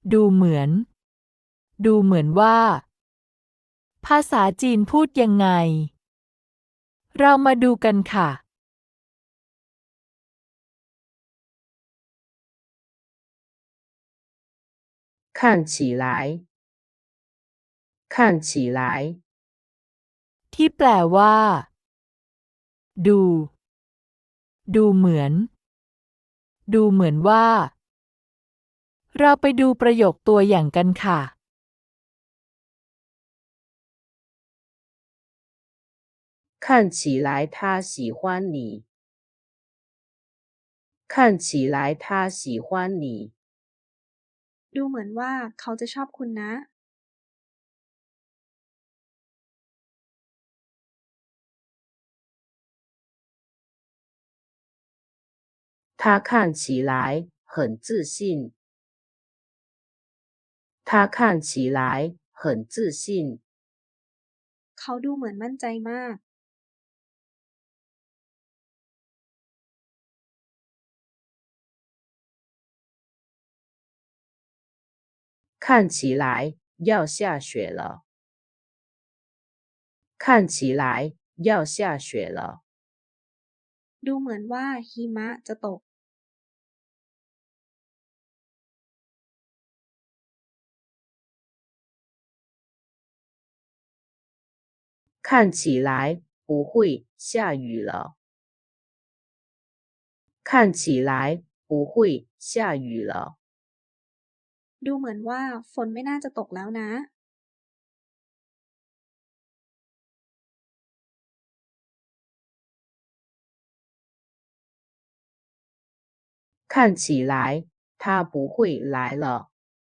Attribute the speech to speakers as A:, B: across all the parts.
A: ดูเหมือน ดูเหมือนว่า ภาษาจีนพูดยังไง เรามาดูกันค่ะ
B: 看起来，看起来，
A: ที่แปลว่า ดู ดูเหมือน ดูเหมือนว่า เราไปดูประโยคตัวอย่างกันค่ะ
B: 看起来他喜欢你，看起来他喜欢你，
C: ดูเหมือนว่าเขาจะชอบคุณนะ
B: 他看起来很自信，他看起来很自信，
C: เขาดูเหมือนมั่นใจมาก
B: 看起来要下雪了，看起来要下雪了，
C: ดูเหมือนว่าหิมะจะตก
B: 看起来不会下雨了，看起来不会下雨了。
C: ดูเหมือนว่าฝนไม่น่าจะตกแล้วนะ
B: 看起来他不会来了，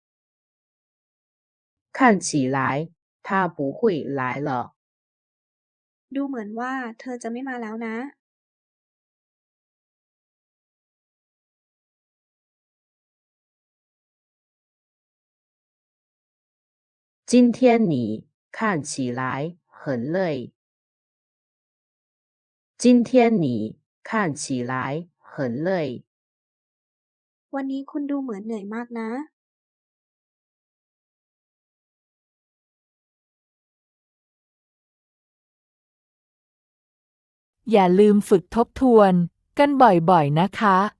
B: 看起来他不会来了。
C: ดูเหมือนว่าเธอจะไม่มาแล้วนะ
B: 今天你看起来很累，今天你看起来很累。
C: วันนี้คุณดูเหมือนเหนื่อยมากนะ
A: อย่าลืมฝึกทบทวนกันบ่อยๆนะคะ